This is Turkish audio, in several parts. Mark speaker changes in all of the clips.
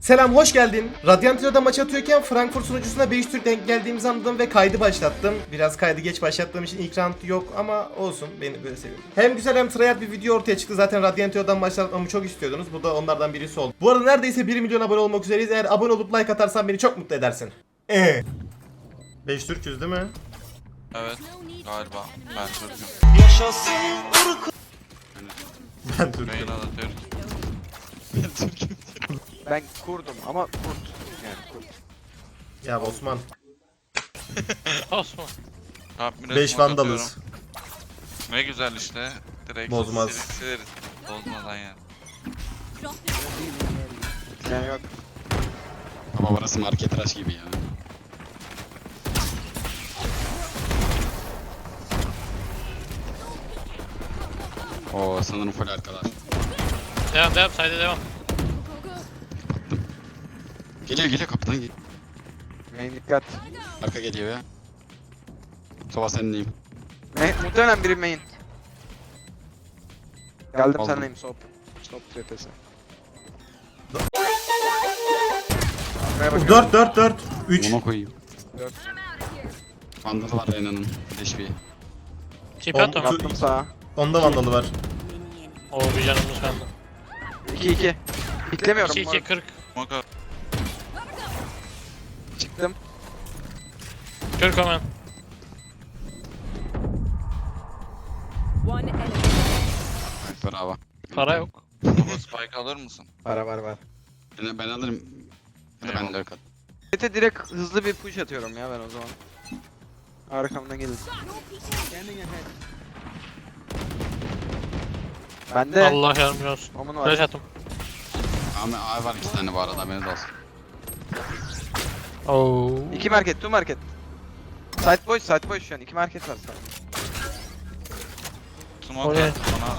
Speaker 1: Selam, hoş geldin. Radyantro'da maç atıyorken Frankfurt sunucusuna 5 Türk denk geldiğimizi anladım ve kaydı başlattım. Biraz kaydı geç başlattığım için ilk round yok ama olsun, beni böyle seviyorum. Hem güzel hem tryhard bir video ortaya çıktı. Zaten Radyantro'dan başlatmamı çok istiyordunuz. Bu da onlardan birisi oldu. Bu arada neredeyse 1 milyon abone olmak üzereyiz. Eğer abone olup like atarsan beni çok mutlu edersin. 5 Türk'üz değil mi?
Speaker 2: Evet, galiba. Ben Türk'üm.
Speaker 1: Ben Türk'üm.
Speaker 2: Yayına da Türk.
Speaker 3: Ben kurdum ama kurt. Yani kurt.
Speaker 1: Ya Osman.
Speaker 2: Osman.
Speaker 1: 5 vandalız.
Speaker 2: Ne güzel işte. Direkt
Speaker 1: Bozmaz.
Speaker 2: sileriz. Bozmadan yani.
Speaker 3: Yani yok.
Speaker 4: Ama burası market rush gibi ya. Oo sanırım full arkalar.
Speaker 5: Devam sayda devam.
Speaker 4: Geliyor kapıdan geliyor.
Speaker 3: Main dikkat.
Speaker 4: Arka geliyor ya. Sova seninleyim.
Speaker 3: Muhtemelen biri main. Geldim
Speaker 4: Aldım.
Speaker 3: senleyim sop. Stop trepesi. Arkaya bakıyorum.
Speaker 1: 4 3.
Speaker 4: Ona koyayım.
Speaker 3: 4.
Speaker 4: Vandalı var Reyna'nın. Leşbi.
Speaker 5: Çip
Speaker 1: On-
Speaker 5: atom.
Speaker 3: Yaptım sağa.
Speaker 1: Onda vandalı var.
Speaker 5: Oo bir canımız kaldı.
Speaker 3: 2-2. Bitlemiyorum.
Speaker 5: 2-2 40.
Speaker 2: Moka.
Speaker 3: Çıktım.
Speaker 5: 40 hemen.
Speaker 6: One enemy.
Speaker 4: Bravo.
Speaker 5: Para yok.
Speaker 2: Baba spike alır mısın?
Speaker 3: Var.
Speaker 4: Ben alırım. Hadi ben de öyle
Speaker 3: Mete direkt hızlı bir push atıyorum ya ben o zaman. Arkamdan gelin. Bende.
Speaker 5: Allah yardımcı olsun.
Speaker 3: Omun var.
Speaker 5: Flash attım.
Speaker 4: Ama A var 2 tane bu arada haberiniz olsun.
Speaker 5: Oo.
Speaker 3: 2 market, 2 market. Side boş şu an. 2 market var sadece.
Speaker 2: Smoke
Speaker 5: Oraya.
Speaker 2: attı bana.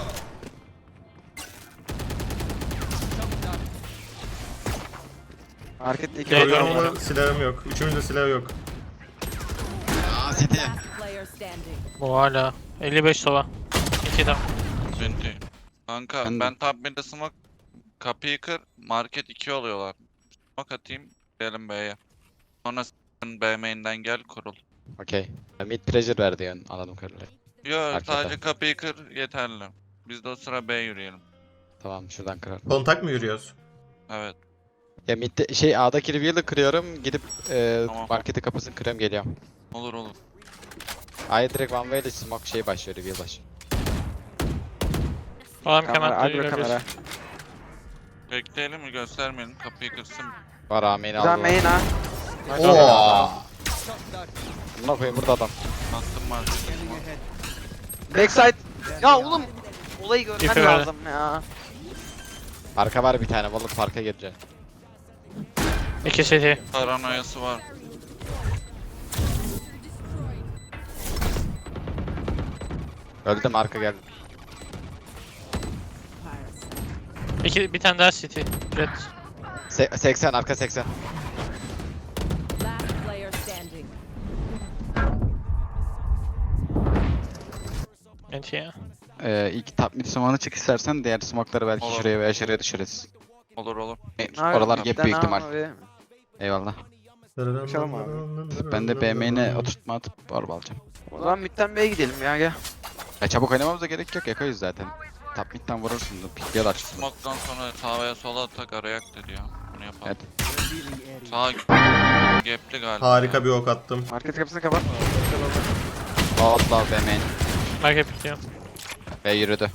Speaker 3: Markette 2
Speaker 5: Gel,
Speaker 3: var.
Speaker 5: gel.
Speaker 1: Ama silahım yok. Üçümüzde silah yok.
Speaker 4: Aa City.
Speaker 6: Player standing.
Speaker 5: Bu hala. 55 sova. 2 down.
Speaker 2: Binti. Kanka
Speaker 4: Ben de.
Speaker 2: ben top mid'e smoke. Kapıyı kır. Market 2 oluyorlar. Smoke atayım. Gidelim B'ye. Sonra sen B main'den gel kurul.
Speaker 4: Okey. Mid pressure verdi yani anladım kadarıyla.
Speaker 2: Yo
Speaker 4: Fark
Speaker 2: sadece
Speaker 4: eder.
Speaker 2: kapıyı kır yeterli. Biz de o sıra B yürüyelim.
Speaker 4: Tamam şuradan kırar.
Speaker 1: Kontak mı yürüyoruz?
Speaker 2: Evet.
Speaker 4: Ya midde şey A'daki reveal'ı kırıyorum. Gidip
Speaker 2: Tamam.
Speaker 4: marketi kapısını kırıyorum geliyorum.
Speaker 2: Olur.
Speaker 4: A'ya direkt one way ile smoke şey başlıyor reveal başlıyor.
Speaker 5: Adam
Speaker 3: Kamera,
Speaker 5: kemer
Speaker 3: agro kamera.
Speaker 2: Bekleyelim mi göstermeyelim kapıyı kırsın.
Speaker 4: Var A main'i
Speaker 3: Güzel
Speaker 4: aldı.
Speaker 3: main ha.
Speaker 1: Oo.
Speaker 4: Buna koyayım burada adam.
Speaker 2: Bastım market.
Speaker 3: Backside. Ya oğlum. Olayı görmen
Speaker 5: Tipe ver.
Speaker 3: lazım ya.
Speaker 4: Arka var bir tane balık parka girecek.
Speaker 5: 2 city.
Speaker 2: Paranoyası var.
Speaker 4: Öldüm arka geldi.
Speaker 5: 2 bir tane daha city. Red.
Speaker 4: 80 arka 80.
Speaker 6: Last player standing.
Speaker 5: Enti ya.
Speaker 4: İlk top mid smoke'unu çık istersen diğer smoke'ları belki
Speaker 2: Olur.
Speaker 4: şuraya veya şuraya düşürürüz.
Speaker 2: Olur.
Speaker 4: Oralar gap büyük ihtimal.
Speaker 3: Abi.
Speaker 4: Eyvallah.
Speaker 3: Konuşalım
Speaker 4: Ben de B main'e oturtma atıp orba alacağım.
Speaker 3: O zaman midden B'ye gidelim ya gel.
Speaker 4: Ya çabuk oynamamıza gerek yok yakayız zaten. Top mid'den vurursun da pikliyorlar çünkü.
Speaker 2: Smoke'dan sonra sağa veya sola tak araya dedi ya. Bunu yapalım.
Speaker 4: Evet.
Speaker 2: Sağ gapli galiba.
Speaker 1: Harika bir ok attım.
Speaker 3: Market kapısını kapat.
Speaker 4: Outlaw B main.
Speaker 5: Market bitiyor.
Speaker 4: B yürüdü.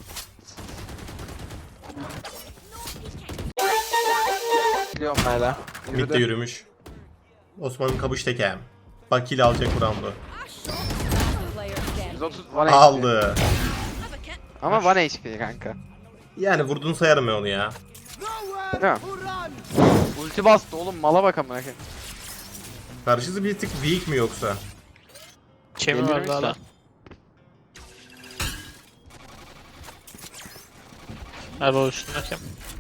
Speaker 3: Biliyorum hala.
Speaker 1: Mid de yürümüş. Osman'ın kabuş tekem. Bakil alacak bu roundu.
Speaker 6: Player standing.
Speaker 3: 130 1 HP.
Speaker 1: Aldı.
Speaker 3: Ama 1 HP kanka.
Speaker 1: Yani vurdun sayarım ben onu ya.
Speaker 3: Değil mi? Ulti bastı oğlum mala bak amına koyayım.
Speaker 1: Karşısı bir tık weak mi yoksa?
Speaker 5: Kemi var
Speaker 3: Delirmiş
Speaker 5: daha
Speaker 3: lan.
Speaker 5: da. Abi o üstündeki.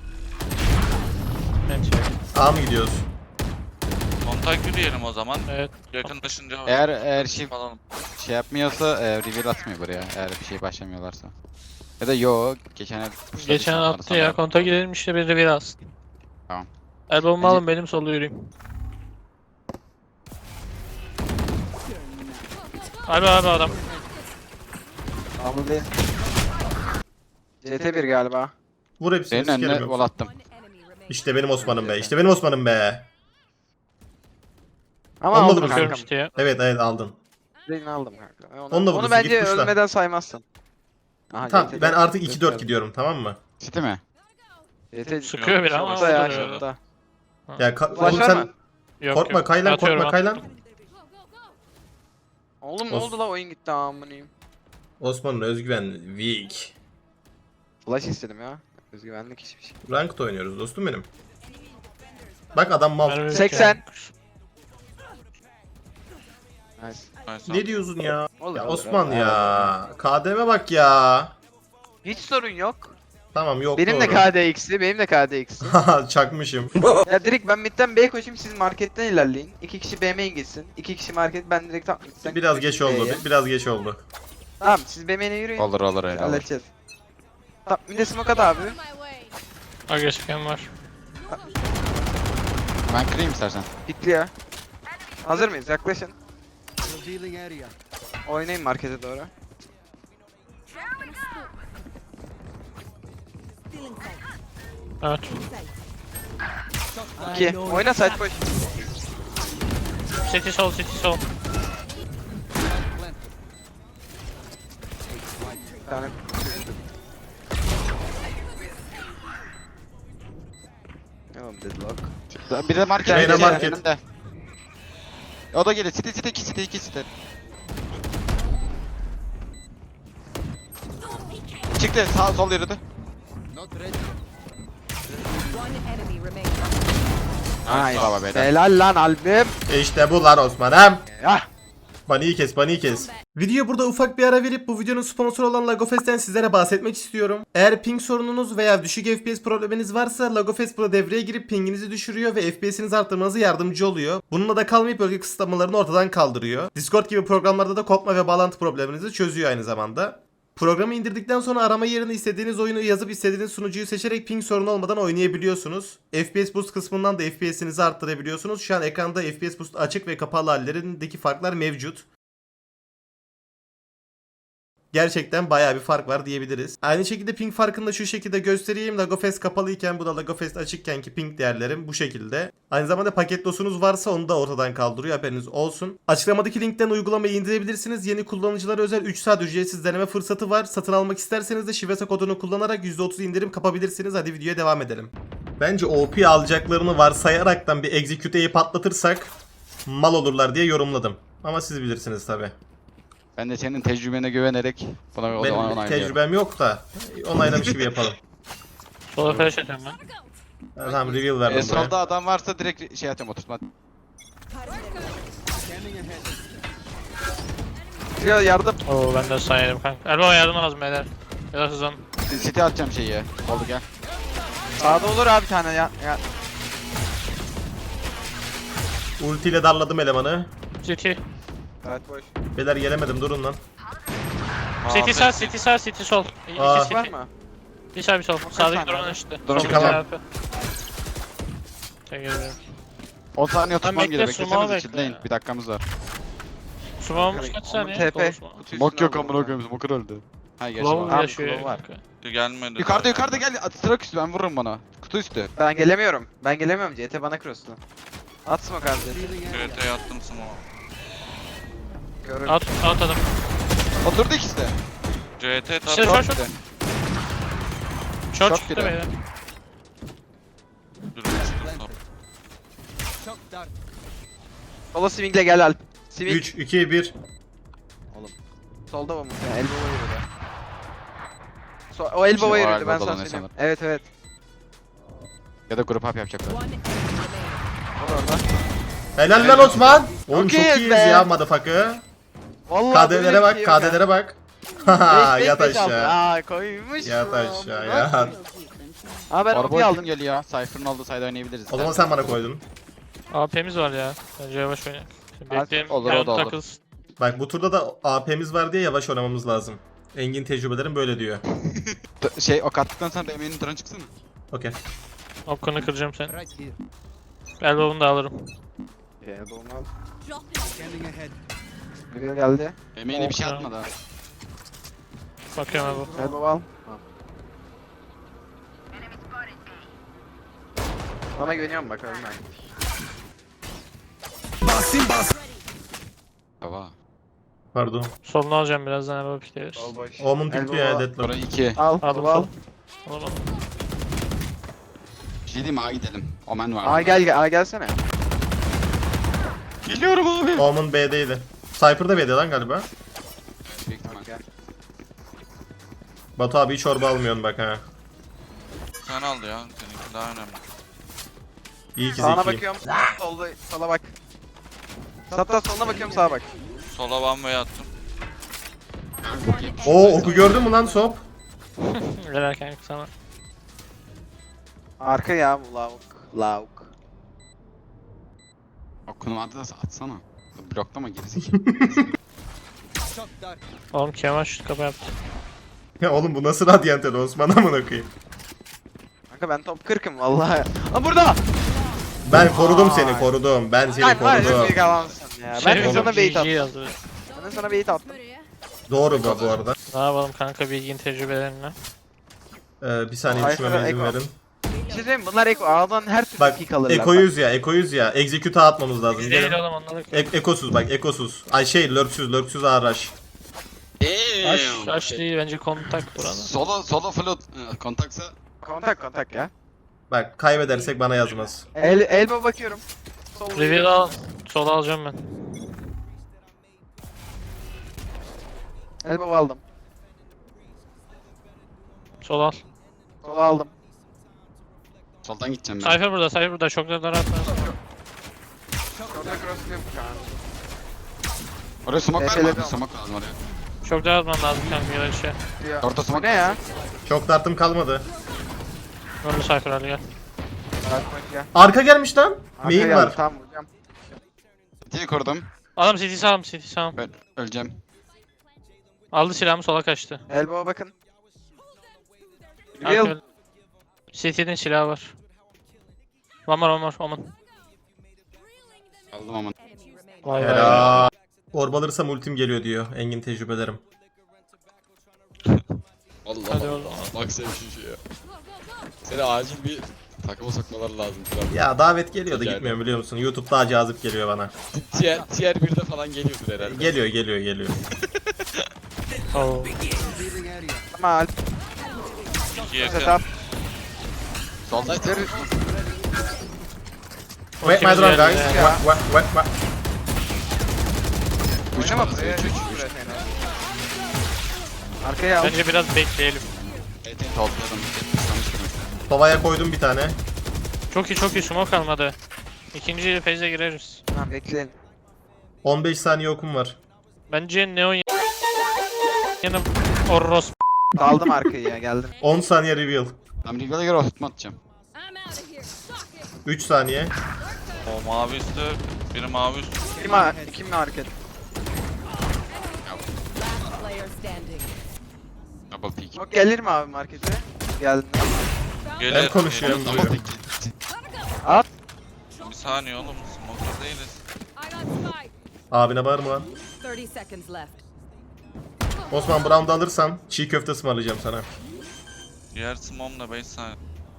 Speaker 5: Enti.
Speaker 1: A mı gidiyoruz?
Speaker 2: Kontak yürüyelim o zaman.
Speaker 5: Evet.
Speaker 2: Yakınlaşınca
Speaker 4: Eğer şey
Speaker 2: falan.
Speaker 4: yapmıyorsa reveal atmıyor buraya eğer bir şey başlamıyorlarsa. Ya da yo geçen el pushladı
Speaker 5: Geçen
Speaker 4: işte,
Speaker 5: attı
Speaker 4: sonra-
Speaker 5: ya. Konta gidelim işte bir reveal alsın. Elbow'umu alın benim solda yürüyeyim. Abi adam.
Speaker 3: Aldı değil. CT1 galiba.
Speaker 1: Vur hepsini
Speaker 4: Senin
Speaker 1: sikerim
Speaker 4: önüne
Speaker 1: yoksa.
Speaker 4: vol attım.
Speaker 6: One enemy remaining.
Speaker 1: İşte benim Osman'ım be. İşte benim Osman'ım be.
Speaker 3: Ama
Speaker 1: Onunla
Speaker 3: aldım
Speaker 1: vurursun.
Speaker 5: Bakıyorum
Speaker 3: kankam.
Speaker 5: işte ya.
Speaker 1: Evet aldın.
Speaker 3: Birini aldım kanka.
Speaker 1: Onu da
Speaker 3: Onu
Speaker 1: vurursun,
Speaker 3: bence
Speaker 1: git kuşla.
Speaker 3: ölmeden saymazsın. Aha,
Speaker 1: Tamam
Speaker 3: CT4.
Speaker 1: ben artık 2-4 gidiyorum, tamam mı?
Speaker 4: City mi?
Speaker 3: CT
Speaker 5: Sıkıyor bir ama.
Speaker 3: Şurada ya
Speaker 5: alır öyle.
Speaker 3: şurada.
Speaker 1: Ya
Speaker 3: Flash
Speaker 1: oğlum
Speaker 3: var
Speaker 1: sen
Speaker 3: mı?
Speaker 5: Yok,
Speaker 1: korkma
Speaker 5: yok.
Speaker 1: Kaylan,
Speaker 5: Atıyorum,
Speaker 1: korkma Kaylan.
Speaker 3: Oğlum ne
Speaker 1: Of.
Speaker 3: oldu la oyun gitti amınıyım.
Speaker 1: Osman'ın özgüven weak.
Speaker 3: Flash istedim ya. Özgüvenlik hiçbir şey.
Speaker 1: Ranked oynuyoruz dostum benim. Bak adam mal.
Speaker 5: Mermi
Speaker 3: 80.
Speaker 5: yok
Speaker 3: Nice.
Speaker 2: Neyse.
Speaker 1: Ne diyorsun ya?
Speaker 3: Olur,
Speaker 1: Ya
Speaker 3: olur,
Speaker 1: Osman
Speaker 3: olur.
Speaker 1: ya. KDM'e bak ya.
Speaker 3: Hiç sorun yok.
Speaker 1: Tamam yok
Speaker 3: Benim de
Speaker 1: doğru.
Speaker 3: KDX'li, benim de KDX'li.
Speaker 1: Çakmışım.
Speaker 3: Ya direkt ben midden B'ye koşayım, siz marketten ilerleyin. 2 kişi B main gitsin. 2 kişi market, ben direkt top midden
Speaker 1: Biraz geç oldu.
Speaker 3: B'ye.
Speaker 1: Biraz geç oldu.
Speaker 3: Tamam, siz B main'e yürüyün.
Speaker 4: Olur öyle olur.
Speaker 3: Halledeceğiz. Top mid'e smoke at abi.
Speaker 5: Aga geçken var.
Speaker 4: Ben kırayım istersen.
Speaker 3: Pikli ya. Hazır mıyız? Yaklaşın. Oynayın markete doğru.
Speaker 5: Evet.
Speaker 3: 2. Oyna side push.
Speaker 5: City sol, city sol.
Speaker 3: Bir tane. Tamam, deadlock.
Speaker 4: Bir de market.
Speaker 1: Reyna
Speaker 4: önünde,
Speaker 1: market.
Speaker 4: önünde. O da geliyor. City 2 City 2 City. Çıktı sağ sol yürüdü.
Speaker 6: One enemy remaining.
Speaker 3: Nice.
Speaker 4: Bravo beyler.
Speaker 3: Helal lan albüm.
Speaker 1: İşte bu lan Osman'ım.
Speaker 3: Ya.
Speaker 1: Baniyi kes, baniyi kes. Videoya burada ufak bir ara verip bu videonun sponsoru olan Lagofest'ten sizlere bahsetmek istiyorum. Eğer ping sorununuz veya düşük FPS probleminiz varsa Lagofest burada devreye girip pinginizi düşürüyor ve FPS'inizi arttırmanıza yardımcı oluyor. Bununla da kalmayıp bölge kısıtlamalarını ortadan kaldırıyor. Discord gibi programlarda da kopma ve bağlantı probleminizi çözüyor aynı zamanda. Programı indirdikten sonra arama yerine istediğiniz oyunu yazıp istediğiniz sunucuyu seçerek ping sorunu olmadan oynayabiliyorsunuz. FPS Boost kısmından da FPS'inizi arttırabiliyorsunuz. Şu an ekranda FPS Boost açık ve kapalı hallerindeki farklar mevcut. Gerçekten bayağı bir fark var diyebiliriz. Aynı şekilde ping farkını da şu şekilde göstereyim. Lagofest kapalıyken bu da Lagofest açıkkenki ping değerlerim bu şekilde. Aynı zamanda paket dosunuz varsa onu da ortadan kaldırıyor, haberiniz olsun. Açıklamadaki linkten uygulamayı indirebilirsiniz. Yeni kullanıcılara özel 3 saat ücretsiz deneme fırsatı var. Satın almak isterseniz de Şivesa kodunu kullanarak %30 indirim kapabilirsiniz. Hadi videoya devam edelim. Bence OP alacaklarını varsayaraktan bir execute'yi patlatırsak mal olurlar diye yorumladım. Ama siz bilirsiniz tabi.
Speaker 4: Ben de senin tecrübene güvenerek buna
Speaker 1: Benim
Speaker 4: onaylıyorum.
Speaker 1: tecrübem yok da onaylamış gibi yapalım.
Speaker 5: Sola flash atıyorum ben.
Speaker 1: Tamam reveal verdim buraya.
Speaker 4: Solda adam varsa direkt şey atayım oturtma.
Speaker 3: Ya yardım.
Speaker 5: Oo ben de sana yedim kanka. Elbow yardım lazım beyler. Ya da hızlan.
Speaker 4: City atacağım şeyi ya. Oldu gel.
Speaker 3: Sağda olur abi bir tane ya.
Speaker 1: Ultiyle darladım elemanı.
Speaker 5: City.
Speaker 3: Evet boş.
Speaker 1: Beyler gelemedim, durun lan.
Speaker 5: City sağ, city sağ, city sol.
Speaker 1: Aa.
Speaker 5: İki
Speaker 3: Var
Speaker 5: city.
Speaker 3: mı?
Speaker 5: Bir sağ bir sol. Sağdaki
Speaker 3: tane
Speaker 5: drone
Speaker 3: abi?
Speaker 5: işte.
Speaker 4: Drone
Speaker 5: Sol
Speaker 1: çıkamam.
Speaker 5: tarafı. Tek geliyorum.
Speaker 4: 10 saniye oturtmam
Speaker 5: bekle,
Speaker 4: gerekiyor.
Speaker 5: sumo
Speaker 4: Beklesenize
Speaker 5: bekle.
Speaker 4: çitleyin. Bir dakikamız var.
Speaker 5: Smoke'umuz kaç saniye?
Speaker 3: TP.
Speaker 5: Konuşma.
Speaker 4: Smoke yok amına koyayım. Smoke öldü. Ha gerçi
Speaker 5: Glove
Speaker 4: var.
Speaker 5: yaşıyor.
Speaker 4: Glove var.
Speaker 2: Gelmedi.
Speaker 4: Yukarıda gel. Sırak üstü ben vururum bana. Kutu üstü.
Speaker 3: Ben gelemiyorum. Ben gelemiyorum. CT bana cross'tu. At smoke abi.
Speaker 2: GT'ye attım smoke.
Speaker 3: Görürüm.
Speaker 5: At adam.
Speaker 4: Oturdu ikisi de.
Speaker 2: CT
Speaker 5: İşte
Speaker 2: tabi.
Speaker 5: short,
Speaker 4: Short
Speaker 5: short.
Speaker 4: bir de.
Speaker 5: Short
Speaker 4: Short
Speaker 5: çıktı
Speaker 4: biri.
Speaker 5: beyler.
Speaker 3: Sola swingle gel Alp. Swing.
Speaker 1: 3, 2, 1.
Speaker 3: Solda mı? Ya, elbow'a yürüdü. O elbow'a
Speaker 4: Şey, o
Speaker 3: yürüdü ben
Speaker 4: elbow
Speaker 3: sana
Speaker 4: dolanıyor
Speaker 3: söyleyeyim.
Speaker 4: sanırım.
Speaker 3: Evet.
Speaker 4: Ya da grup up yapacaklar.
Speaker 6: One enemy remaining.
Speaker 3: O da orada.
Speaker 1: Helal lan Osman. Oğlum çok
Speaker 3: iyiyiz
Speaker 1: iyiyiz
Speaker 3: be.
Speaker 1: ya motherfucker.
Speaker 3: Vallahi böyle
Speaker 1: KD'lere
Speaker 3: bir
Speaker 1: bak,
Speaker 3: şey yok ya.
Speaker 1: KD'lere bak. Haha
Speaker 3: Beş,
Speaker 1: yat
Speaker 3: beş, beş aldı.
Speaker 1: aşağı.
Speaker 3: Aa koymuş.
Speaker 1: Yat
Speaker 3: bu.
Speaker 1: aşağı yat.
Speaker 3: Aa ben
Speaker 4: Araba
Speaker 3: onu aldım.
Speaker 4: aldım geliyor ya. Cypher'ın olduğu side oynayabiliriz.
Speaker 1: O zaman sen bana koydun.
Speaker 5: AP'miz var ya. Bence yavaş oynayalım. Bekleyelim.
Speaker 4: Olur,
Speaker 5: Round
Speaker 4: o da olur.
Speaker 5: takılsın.
Speaker 1: Bak bu turda da AP'miz var diye yavaş oynamamız lazım. Engin tecrübelerim böyle diyor.
Speaker 4: Şey ok attıktan sonra Emin'in drone çıksın.
Speaker 1: Okey.
Speaker 5: Okunu kıracağım seni. Elbow'unu da alırım.
Speaker 3: Elbow'unu al. Biri geldi.
Speaker 4: BM'ine bir şey atmadı ha.
Speaker 5: Bakıyorum Elbow.
Speaker 3: Elbow al. Bana güveniyorum bak ölme.
Speaker 4: Baba.
Speaker 1: Pardon.
Speaker 5: Solunu alacağım birazdan Elbow pikleriz.
Speaker 3: Sol boş.
Speaker 1: Omun pikliyor ya
Speaker 3: Elbow
Speaker 1: Deadlock.
Speaker 4: Burayı 2.
Speaker 3: al.
Speaker 5: Aldım
Speaker 3: Al.
Speaker 5: sol. Alamadım.
Speaker 4: Bir şey diyeyim mi? A gidelim. Omen var.
Speaker 3: Aa gel gelsene.
Speaker 4: Geliyorum abi.
Speaker 1: Omun B'deydi. Cypher da B'de lan galiba.
Speaker 4: Büyük ihtimal.
Speaker 3: Gel.
Speaker 1: Batu abi hiç çorba almıyorsun bak ha.
Speaker 2: Sen al ya. Seninki daha önemli.
Speaker 1: İyi ki
Speaker 3: Sağına
Speaker 1: zekiyim.
Speaker 3: bakıyorum. Solda sola bak. Hatta soluna bakıyorum sağa bak.
Speaker 2: Sola one way attım.
Speaker 1: Oo oku gördün mü lan Sop?
Speaker 5: Velerken sana.
Speaker 3: Arka ya bu lavuk. Lavuk.
Speaker 4: Okunu vardı da atsana. Bloklama gerizekalı.
Speaker 5: Oğlum Kemal şut kapı yaptı.
Speaker 1: Ya oğlum bu nasıl Radiant öyle Osman amına koyayım.
Speaker 3: Kanka ben top 40'ım vallahi. Aa burada.
Speaker 1: Ben korudum seni korudum. Ben seni
Speaker 3: Lan var ya
Speaker 1: korudum.
Speaker 3: bir kalansın ya. Ben
Speaker 5: Şey
Speaker 3: de sana bait
Speaker 5: GG
Speaker 3: attım.
Speaker 5: yazdı.
Speaker 3: Ben de sana bait attım.
Speaker 1: Doğru bu arada.
Speaker 5: Ne yapalım kanka bilgin tecrübelerinden.
Speaker 1: Bir saniye
Speaker 3: Ay,
Speaker 1: düşünmeme izin
Speaker 3: Eko.
Speaker 1: verin.
Speaker 3: Bir şey söyleyeyim mi? Bunlar Eko. Ağdan her türlü
Speaker 1: Bak
Speaker 3: pick alırlar.
Speaker 1: ekoyuz ya. Execute'a atmamız lazım.
Speaker 5: Biz değil
Speaker 1: Gelin.
Speaker 5: oğlum onları.
Speaker 1: Ekosuz bak ekosuz. Ay şey lurksüz araç.
Speaker 5: Aş değil bence kontak burada.
Speaker 4: Solo float kontaksa
Speaker 3: Kontak ya.
Speaker 1: Bak kaybedersek bana yazmaz.
Speaker 3: Elbow bakıyorum. Sol
Speaker 5: Reveal al. Sola alacağım ben.
Speaker 3: Elbow aldım.
Speaker 5: Sol al.
Speaker 3: Sol aldım.
Speaker 4: soldan gideceğim ben.
Speaker 5: Cypher burada, Cypher burada. Şoklardan atma.
Speaker 3: Orada cross yok kanka.
Speaker 4: Oraya smoke var mı?
Speaker 3: TP'leri
Speaker 4: Abi?
Speaker 3: al.
Speaker 4: Smoke lazım oraya.
Speaker 5: Şoklar atman lazım kanka ya şey.
Speaker 3: Ya.
Speaker 4: Orta
Speaker 3: Bu
Speaker 4: smoke.
Speaker 3: ne ya?
Speaker 1: Çok dartım kalmadı.
Speaker 5: Öldü Cypher hadi gel.
Speaker 3: Bak ya.
Speaker 1: Arka gelmiş lan.
Speaker 3: Arka
Speaker 1: Main
Speaker 3: geldi,
Speaker 1: var.
Speaker 3: Tamam vuracağım.
Speaker 4: City'yi korudum.
Speaker 5: Adam CT sağım, CT sağım.
Speaker 4: Ben öleceğim.
Speaker 5: Aldı silahımı sola kaçtı.
Speaker 3: Elbow'a bakın.
Speaker 5: Arka
Speaker 3: Real.
Speaker 5: öldü. CT'nin silahı var. One more, Oman.
Speaker 4: Aldım ama.
Speaker 6: Enemy remaining.
Speaker 5: Vay vay.
Speaker 1: Helal. Orb alırsam ultim geliyor diyor. Engin tecrübelerim.
Speaker 5: Hadi
Speaker 4: Allah
Speaker 5: oğlum.
Speaker 4: bak sen şu şeye. Seni acil bir takıma sokmaları lazım.
Speaker 1: Ya davet geliyor da
Speaker 4: Rica
Speaker 1: gitmiyorum biliyor musun? YouTube daha cazip geliyor bana.
Speaker 4: Tier 1'de falan geliyordur herhalde.
Speaker 1: Geliyor.
Speaker 5: Oo.
Speaker 3: Ama Alp.
Speaker 2: 2 yakın.
Speaker 3: Setup.
Speaker 4: Solda
Speaker 1: Wait my drone guys.
Speaker 3: Ya.
Speaker 1: What?
Speaker 3: Oynama buraya. 3 buraya seni. Arkaya al.
Speaker 5: Bence biraz bekleyelim.
Speaker 4: Evet topladım.
Speaker 1: Tovaya koydum bir tane.
Speaker 5: Çok iyi smoke kalmadı. İkinci phase'e gireriz.
Speaker 3: Tamam bekleyelim.
Speaker 1: 15 saniye okum var.
Speaker 5: Bence Neon yanım Orros.
Speaker 3: Aldım arkayı ya geldim.
Speaker 1: 10 saniye reveal.
Speaker 4: Ben Regal'a göre oturtma atacağım.
Speaker 1: 3 saniye.
Speaker 2: O mavi üstü. Biri mavi üstü.
Speaker 3: Kim mi hareket?
Speaker 6: Last player standing.
Speaker 4: Double peek.
Speaker 3: Bak gelir mi abi markete? Geldim.
Speaker 2: Gelir.
Speaker 1: Ben konuşuyorum
Speaker 4: Double
Speaker 1: duyuyorum.
Speaker 4: peek.
Speaker 3: At.
Speaker 2: Bir saniye oğlum. Smoke'da değiliz.
Speaker 6: I got spike.
Speaker 1: Abine bağırma lan.
Speaker 6: 30 seconds left.
Speaker 1: Osman Brown'da alırsan çiğ köfte ısmarlayacağım sana.
Speaker 2: Diğer smoke'la 5 saniye.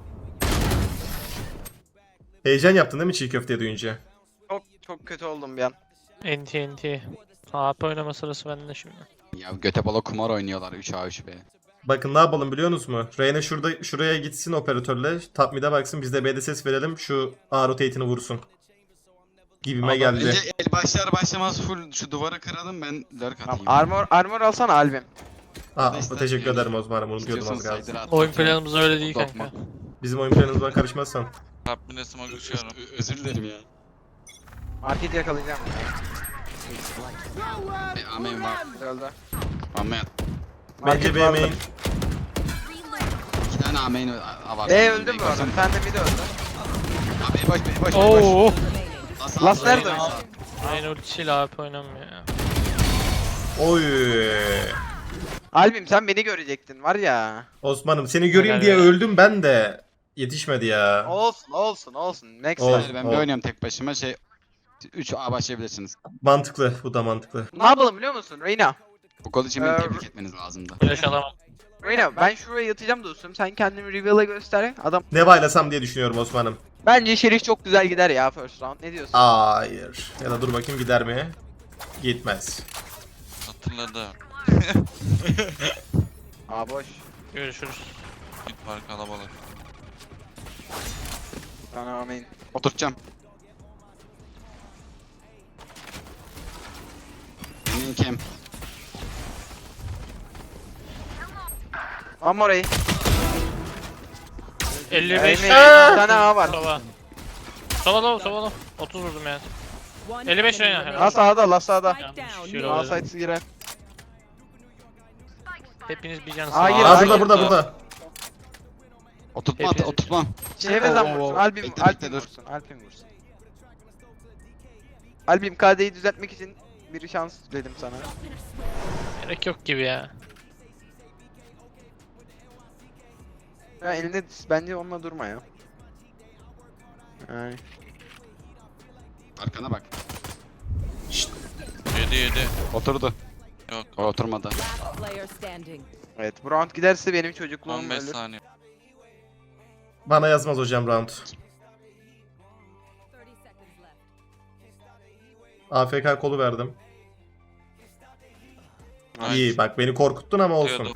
Speaker 1: Heyecan yaptın değil mi çiğ köfte duyunca?
Speaker 3: Çok kötü oldum bir an.
Speaker 5: NT. AP oynama sırası bende şimdi.
Speaker 4: Ya göte bala kumar oynuyorlar 3A3B.
Speaker 1: Bakın ne yapalım biliyorsunuz mu? Reyna şuraya gitsin operatörle. Top mid'e baksın biz de B'de ses verelim. Şu A rotate'ini vursun. Gibime geldi.
Speaker 4: Önce el başlar başlamaz full şu duvarı kıralım ben lurk
Speaker 3: Tamam,
Speaker 4: atayım.
Speaker 3: armor alsana Albim.
Speaker 1: Teşekkür ederim Osman'ım. Unutuyordum az
Speaker 4: İstiyorsan
Speaker 1: kalsın.
Speaker 4: saydır at.
Speaker 5: Oyun planımız öyle değil
Speaker 4: Korkma.
Speaker 5: kanka.
Speaker 1: Bizim oyun planımızdan karışmazsan.
Speaker 2: Top mid'e smoke uçuyorum.
Speaker 4: Özür dilerim ya.
Speaker 3: Market yakalayacağım.
Speaker 4: Amen var.
Speaker 3: Öldü.
Speaker 4: Amen.
Speaker 1: Bence B main.
Speaker 4: 2 tane amen var.
Speaker 3: B öldü bu arada. Sen de mid öldü.
Speaker 4: Abi B boş.
Speaker 5: Oo.
Speaker 3: Last nerede?
Speaker 5: Aynı ultisiyle AP oynamıyor ya.
Speaker 1: Oy.
Speaker 3: Albim sen beni görecektin var ya.
Speaker 1: Osman'ım seni göreyim
Speaker 5: Helal
Speaker 1: diye
Speaker 5: ya.
Speaker 1: öldüm ben de. Yetişmedi ya.
Speaker 3: Olsun. Next
Speaker 1: Olsun.
Speaker 3: time.
Speaker 4: Ben bir oynuyorum tek başıma 3 A başlayabilirsiniz.
Speaker 1: Mantıklı. Bu da mantıklı.
Speaker 3: Ne yapalım biliyor musun Reyna?
Speaker 4: Bu gol için beni
Speaker 3: Ee,
Speaker 4: tebrik etmeniz lazımdı.
Speaker 5: Flash alamam.
Speaker 3: Reyna ben şuraya yatacağım dostum. Sen kendini reveal'a göster. Adam
Speaker 1: Ne baylasam diye düşünüyorum Osman'ım.
Speaker 3: bence Şerif çok güzel gider ya first round. Ne diyorsun?
Speaker 1: Hayır. Ya da dur bakayım gider mi? Gitmez.
Speaker 2: Hatırladı.
Speaker 3: Boş.
Speaker 5: Görüşürüz.
Speaker 2: Git var kalabalık.
Speaker 3: Amin.
Speaker 4: Oturtacağım. Benim kem.
Speaker 3: Ama orayı.
Speaker 5: 55.
Speaker 3: Bir tane A var.
Speaker 5: Sova. Sova low. 30 vurdum yani.
Speaker 6: One
Speaker 5: 55
Speaker 6: enemy
Speaker 5: Reyna.
Speaker 6: remaining.
Speaker 3: La sağda, la sağda.
Speaker 6: Spike down.
Speaker 5: Şöyle
Speaker 3: A
Speaker 5: oynadım.
Speaker 3: side'sı girer.
Speaker 5: Hepiniz bir can
Speaker 3: Hayır,
Speaker 5: sağ.
Speaker 1: Aa
Speaker 3: hayır.
Speaker 1: burada.
Speaker 4: Oturtma
Speaker 5: Hepiniz-
Speaker 4: oturtma.
Speaker 3: Çevreden
Speaker 5: Oo,
Speaker 3: vursun.
Speaker 5: oo.
Speaker 3: Albim
Speaker 4: Bekle, dur.
Speaker 3: vursun. Albim vursun. Albim KD'yi düzeltmek için bir şans dedim sana.
Speaker 5: Gerek yok gibi ya.
Speaker 3: Ya elinde bence onunla durma ya. Yani.
Speaker 4: Arkana bak.
Speaker 2: 7.
Speaker 4: Oturdu.
Speaker 2: Yok.
Speaker 4: O oturmadı.
Speaker 6: Last player standing.
Speaker 3: Evet bu round giderse benim çocukluğum
Speaker 2: 15
Speaker 3: ölür.
Speaker 2: saniye.
Speaker 1: Bana yazmaz hocam round.
Speaker 6: 30 seconds left.
Speaker 1: AFK kolu verdim.
Speaker 2: Nice.
Speaker 1: İyi bak beni korkuttun ama olsun.
Speaker 2: Diyordum.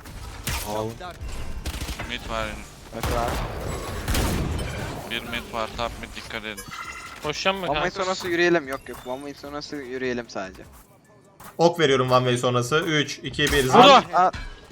Speaker 2: Mid var yine.
Speaker 3: Bak var.
Speaker 2: Bir mid var. Top mid dikkat edin.
Speaker 5: Koşacağım mı
Speaker 3: One way
Speaker 5: kanka?
Speaker 3: sonrası yürüyelim. Yok One way sonrası yürüyelim sadece.
Speaker 1: Ok veriyorum one way sonrası. 3, 2, 1.
Speaker 5: Burada.
Speaker 3: Aa.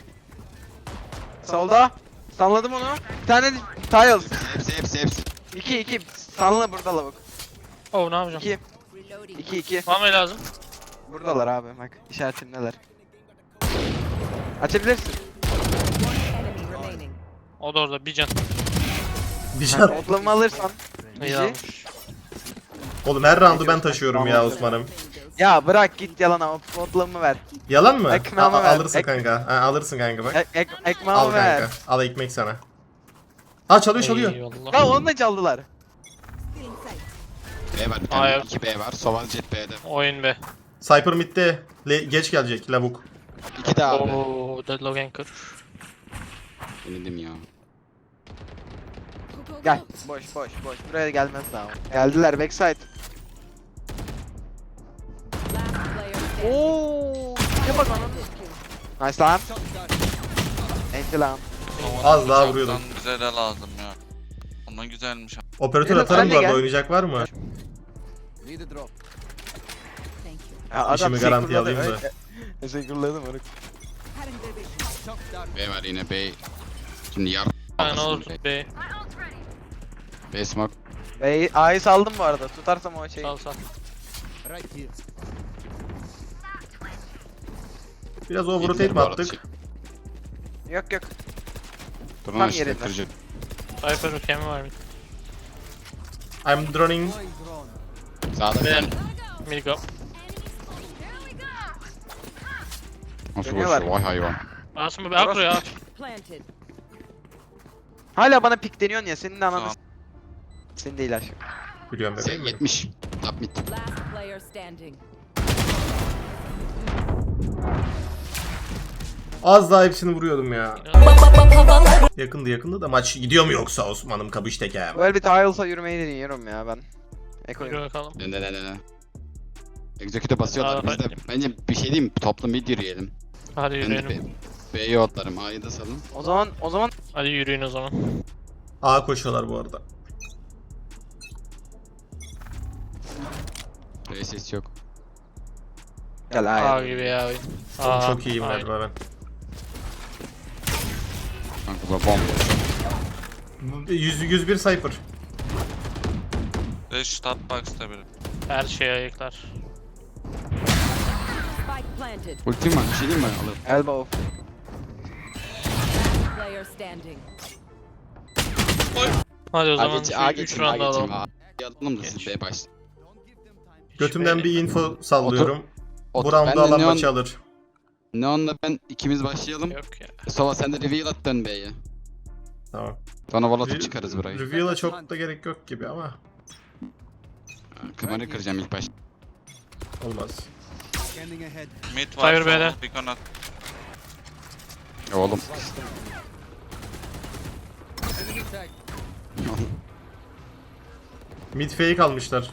Speaker 3: Solda. Sanladım onu. Bir tane tiles.
Speaker 4: Hepsi.
Speaker 3: 2 sanla burada lavuk.
Speaker 5: Oh ne yapacağım?
Speaker 3: 2
Speaker 6: Reloading.
Speaker 3: 2
Speaker 5: Mame lazım.
Speaker 3: Buradalar abi bak işaretimdeler. Açabilirsin.
Speaker 6: Enemy remaining.
Speaker 5: O da orada bir can.
Speaker 1: Bir can.
Speaker 3: Otlamı alırsan.
Speaker 5: İyi
Speaker 3: Bizi.
Speaker 5: almış.
Speaker 1: Oğlum her roundu ben taşıyorum ya Osman'ım.
Speaker 3: Ya bırak git yalana otlamı ver.
Speaker 1: Yalan mı?
Speaker 3: Ekmeğimi ver.
Speaker 1: Alırsın kanka. Ha, alırsın kanka bak.
Speaker 3: Ekmeğimi
Speaker 1: Al
Speaker 3: ver.
Speaker 1: kanka. Al ekmek sana. Aa çalıyor.
Speaker 5: Eyvallah.
Speaker 3: Ya onu da çaldılar.
Speaker 4: B var bir
Speaker 5: Hayır.
Speaker 4: tane. 2 B var. Soval jet B'de.
Speaker 5: Oyun be.
Speaker 1: Cypher midde. Geç gelecek lavuk.
Speaker 4: 2 de abi.
Speaker 5: Oo deadlock anchor.
Speaker 4: Denedim ya.
Speaker 3: Gel. Boş. Buraya gelmez daha. Geldiler backside.
Speaker 6: Last player standing.
Speaker 3: Oo. Ne bak onun. Nice lan. Enti lan.
Speaker 1: Az daha
Speaker 2: Bıçaktan
Speaker 1: vuruyordum.
Speaker 2: bize de lazım ya. Ona güzelmiş.
Speaker 1: Operatör
Speaker 3: Yunus,
Speaker 1: atarım
Speaker 3: sen de
Speaker 1: bu arada
Speaker 3: gel.
Speaker 1: oynayacak var mı?
Speaker 6: Thank you.
Speaker 3: Ya adam
Speaker 1: İşimi garantiye
Speaker 3: sekurladı,
Speaker 1: alayım da.
Speaker 3: öyle. Sekurladım onu.
Speaker 4: B var yine B. Şimdi yar.
Speaker 5: Ha ne olur be.
Speaker 4: B smoke.
Speaker 3: A'yı saldım bu arada. Tutarsam o şeyi.
Speaker 5: Sal.
Speaker 1: Biraz overrotate
Speaker 4: Yediler
Speaker 1: mi
Speaker 4: bu arada
Speaker 1: attık?
Speaker 3: Yok.
Speaker 4: Durun
Speaker 3: Tam
Speaker 4: işte
Speaker 3: yerinde.
Speaker 4: kırıcı.
Speaker 5: Cypher ülkemi var mı?
Speaker 1: I'm droning.
Speaker 4: Sağda bir
Speaker 5: Ben.
Speaker 4: tane.
Speaker 5: Mid go.
Speaker 4: Nasıl
Speaker 3: Dönüyorlar.
Speaker 4: koşuyor vay hayvan.
Speaker 5: Asım be akro ya.
Speaker 6: Planted.
Speaker 3: Hala bana pikleniyorsun ya. Senin de ananı
Speaker 2: Tamam.
Speaker 3: Senin değil aşkım.
Speaker 1: Biliyorum bebeğim.
Speaker 4: 70. Top mid.
Speaker 6: Last player standing.
Speaker 1: Az daha hepsini vuruyordum ya. Yakındı da maç gidiyor mu yoksa Osman'ım kabış tekem.
Speaker 3: Böyle bir tiles'a yürümeyi deniyorum ya ben. Ekoyum.
Speaker 5: Yürü bakalım.
Speaker 4: Ne. Execute'e basıyorlar.
Speaker 5: Aa,
Speaker 4: Biz de bence bir şey diyeyim mi? Toplu mid yürüyelim.
Speaker 5: Hadi
Speaker 4: Ben de
Speaker 5: yürüyelim.
Speaker 4: B'ye otlarım. A'yı da salın.
Speaker 3: O zaman
Speaker 5: Hadi yürüyün o zaman.
Speaker 1: A koşuyorlar bu arada.
Speaker 4: B ses yok.
Speaker 3: gel
Speaker 5: A
Speaker 3: A'ya.
Speaker 5: gibi ya oyun.
Speaker 1: Oğlum çok iyiyim
Speaker 5: aynen.
Speaker 1: galiba ben.
Speaker 4: Kanka bu bomba.
Speaker 1: 101 Cypher.
Speaker 2: 5 top box'ta biri.
Speaker 5: Her şeyi ayıklar.
Speaker 6: Spike planted.
Speaker 4: Ultim var. Bir şey diyeyim mi? Alırım.
Speaker 3: Elbow.
Speaker 6: Last player standing.
Speaker 5: Hadi o
Speaker 4: A
Speaker 5: zaman
Speaker 4: geçeyim. A
Speaker 5: 3
Speaker 4: geçeyim. A
Speaker 5: round
Speaker 4: geçeyim.
Speaker 5: alalım.
Speaker 4: A alalım da siz
Speaker 5: Geç.
Speaker 4: B başlayın.
Speaker 1: Götümden bir info sallıyorum. Bu
Speaker 4: Otur.
Speaker 1: round'u
Speaker 4: Ben de
Speaker 1: alan
Speaker 4: Neon-
Speaker 1: maçı alır.
Speaker 4: Neon'la ben ikimiz başlayalım.
Speaker 5: Yok ya.
Speaker 4: Sova sen de reveal at dön B'ye.
Speaker 1: Tamam.
Speaker 4: Sonra volatıp çıkarız burayı.
Speaker 1: Reveal'a çok da gerek yok gibi ama
Speaker 4: Kımarı kıracağım ilk başta.
Speaker 1: olmaz.
Speaker 2: Mid var.
Speaker 5: Cyber B'de.
Speaker 2: Beacon at.
Speaker 4: Oğlum.
Speaker 1: 'Mid fake almışlar.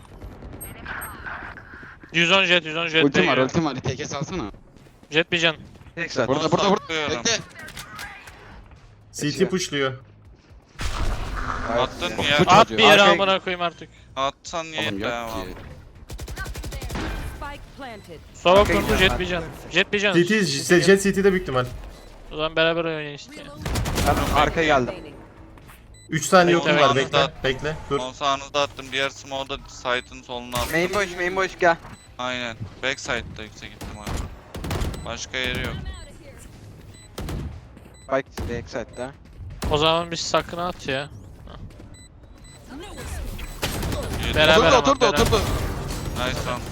Speaker 5: 110 jet, 110 jet.
Speaker 4: Ultim var,
Speaker 5: değiyor.
Speaker 4: ultim var. TK salsana.
Speaker 5: Jet bir can.
Speaker 3: Tek zaten.
Speaker 4: Burada.
Speaker 2: Saklıyorum.
Speaker 4: Bekle.
Speaker 1: CT pushluyor.
Speaker 2: Attın
Speaker 4: Bak,
Speaker 2: ya.
Speaker 4: bu
Speaker 5: At
Speaker 4: çocuğu.
Speaker 5: bir yere
Speaker 3: Arkaya-
Speaker 5: amına koyayım artık.
Speaker 2: Atsan niye
Speaker 4: Oğlum
Speaker 2: be
Speaker 4: yok
Speaker 2: abi?
Speaker 4: ki.
Speaker 6: Spike planted.
Speaker 5: Sova
Speaker 3: Arkaya
Speaker 5: kurdu
Speaker 3: gidiyorum
Speaker 5: jet
Speaker 3: ben.
Speaker 5: bir can. Jet bir can.
Speaker 1: CT, Jet CT'de büyük ihtimal.
Speaker 5: O zaman beraber oynayın işte.
Speaker 3: Ben arkaya geldim.
Speaker 6: Remaining.
Speaker 1: 3 saniye
Speaker 5: Bekle,
Speaker 1: yokum var,
Speaker 2: bekle.
Speaker 1: bekle. Bekle, dur.
Speaker 2: Son sağınızda attım. Diğer smoke'da site'ın soluna attım.
Speaker 3: Main boş gel.
Speaker 2: Aynen. Backside'da yüksek ihtimal. Başka yeri yok.
Speaker 3: Spike backside'da.
Speaker 5: O zaman biz sakını at ya.
Speaker 2: Yedi.
Speaker 5: Beraber ama,
Speaker 4: Oturdu.
Speaker 5: beraber.
Speaker 2: Nice one.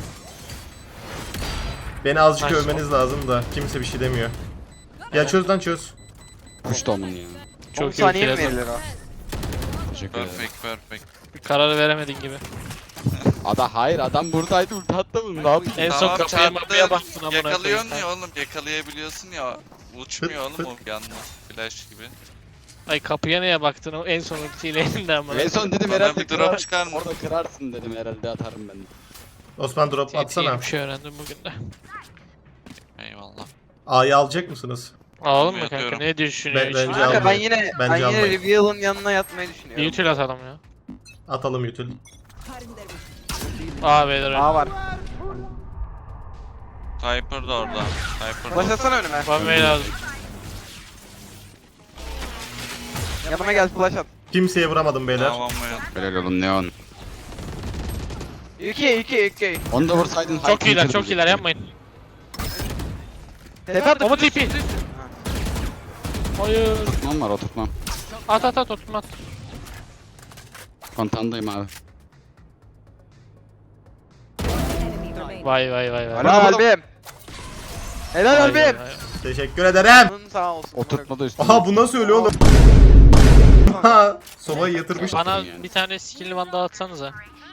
Speaker 1: Beni azıcık
Speaker 5: Nice.
Speaker 1: övmeniz lazım da kimse bir şey demiyor. Ya çöz lan çöz.
Speaker 4: Push da onun ya.
Speaker 3: 10
Speaker 5: Çok iyi
Speaker 3: saniye mi
Speaker 5: ultiledim.
Speaker 3: verilir o?
Speaker 4: Teşekkür ederim.
Speaker 2: Perfect.
Speaker 5: Kararı veremedin gibi.
Speaker 4: Hayır adam buradaydı ulti attı mı? Ne yapayım?
Speaker 5: En son
Speaker 2: Tamam,
Speaker 5: kapıya
Speaker 2: çarptı.
Speaker 5: mapıya baktın amına koyayım.
Speaker 2: Yakalıyorsun ya oğlum. Yakalayabiliyorsun ya. Uçmuyor
Speaker 1: Fıt,
Speaker 2: oğlum o yanına. Flash gibi.
Speaker 5: Ay kapıya neye baktın o en son ultiyle elinde amına.
Speaker 4: En son dedim
Speaker 2: Bana
Speaker 4: herhalde
Speaker 2: bir drop
Speaker 4: kırar.
Speaker 2: çıkar mı?
Speaker 4: Orada kırarsın dedim herhalde atarım ben.
Speaker 1: Osman drop atsana.
Speaker 5: Bir şey öğrendim bugün de.
Speaker 2: Eyvallah.
Speaker 1: A'yı alacak mısınız?
Speaker 5: Alalım mı kanka?
Speaker 2: Yatıyorum.
Speaker 5: Ne düşünüyor?
Speaker 1: Bence
Speaker 3: Kanka ben
Speaker 1: almayın.
Speaker 3: yine
Speaker 1: Bence almayın.
Speaker 3: Reveal'ın yanına yatmayı düşünüyorum.
Speaker 5: Bir util atalım ya.
Speaker 1: Atalım Yutul.
Speaker 5: Aa beyler öyle.
Speaker 3: A var.
Speaker 2: Cypher da orada. Cypher
Speaker 3: Flash
Speaker 2: da.
Speaker 3: atsana önüme.
Speaker 5: One way lazım.
Speaker 3: Yanıma gel flash at.
Speaker 1: Kimseye vuramadım beyler.
Speaker 2: Tamam mı?
Speaker 4: Helal olun Neon.
Speaker 3: UK.
Speaker 4: Onu da vursaydın.
Speaker 5: Çok iyiler, çok iyiler yapmayın.
Speaker 3: Tepe attı.
Speaker 5: Ama TP. Hayır.
Speaker 4: Oturtmam var oturtmam.
Speaker 5: At oturma at.
Speaker 4: Kontandayım abi.
Speaker 6: Enemy remaining.
Speaker 5: Vay.
Speaker 3: Helal albim. Helal
Speaker 5: Vay,
Speaker 3: albim.
Speaker 5: vay.
Speaker 1: Teşekkür ederim.
Speaker 3: Bunun sağ olsun.
Speaker 4: Oturtma da üstüne.
Speaker 1: Aha bu nasıl öyle oğlum? Ha, sobayı yatırmış.
Speaker 5: Bana
Speaker 4: yani.
Speaker 5: bir tane skill one daha atsanıza.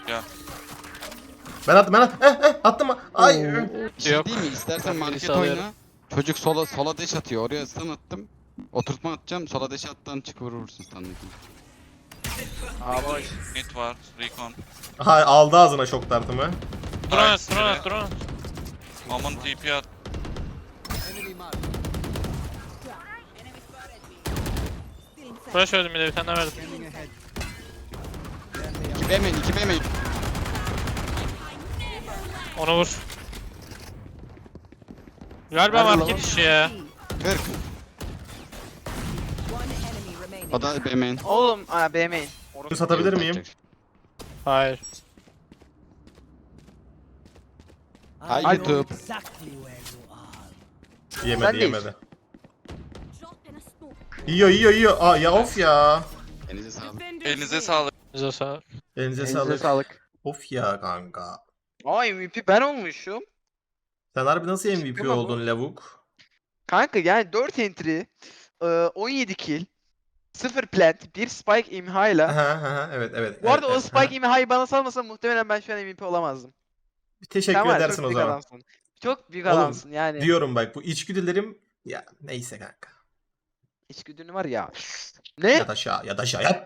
Speaker 1: Ben attım. Attım. Ay.
Speaker 4: Bir şey
Speaker 5: Yok.
Speaker 4: değil mi? İstersen market
Speaker 5: Birisi alıyorum.
Speaker 4: oyna. Çocuk sola deş atıyor. Oraya stun attım. Oturtma atacağım. Sola deş attan çık vurursun stun'daki.
Speaker 3: A boş.
Speaker 2: Mid var. Recon.
Speaker 1: Aha aldı ağzına şok tartımı.
Speaker 5: Drone
Speaker 2: Nice
Speaker 5: at.
Speaker 2: biri. Omen TP at.
Speaker 5: Flash öldüm bir de bir tane daha verdim.
Speaker 4: 2B main 2B main.
Speaker 5: Onu vur. Galiba
Speaker 3: Nerede
Speaker 5: market
Speaker 3: lan?
Speaker 5: işi ya.
Speaker 4: 40.
Speaker 6: One enemy remaining.
Speaker 4: O da B main.
Speaker 3: Oğlum B main.
Speaker 1: Bunu satabilir miyim?
Speaker 5: Hayır.
Speaker 4: Hay YouTube.
Speaker 1: Yemedi
Speaker 3: Sen değil.
Speaker 1: yemedi. Yiyor. Aa ya of ya.
Speaker 4: Elinize sağlık.
Speaker 2: Elinize sağlık.
Speaker 5: Bize sağ.
Speaker 1: Elinize
Speaker 3: Elinize
Speaker 1: sağlık.
Speaker 3: sağlık.
Speaker 1: Of ya kanka.
Speaker 3: Aa MVP ben olmuşum.
Speaker 1: Sen harbi nasıl MVP
Speaker 3: Çıkma bu.
Speaker 1: oldun lavuk?
Speaker 3: Kanka yani 4 entry, 17 kill, 0 plant, 1 spike imhayla.
Speaker 1: Aha, evet.
Speaker 3: Bu arada o
Speaker 1: evet,
Speaker 3: spike imhayı bana salmasa muhtemelen ben şu an MVP olamazdım.
Speaker 1: Teşekkür
Speaker 3: Sen var ya,
Speaker 1: edersin
Speaker 3: çok
Speaker 1: o
Speaker 3: büyük
Speaker 1: zaman.
Speaker 3: adamsın. Çok büyük
Speaker 1: Oğlum,
Speaker 3: adamsın yani.
Speaker 1: Diyorum bak bu içgüdülerim ya neyse kanka.
Speaker 3: İçgüdün var ya. Ne?
Speaker 1: Ya da aşağı yat.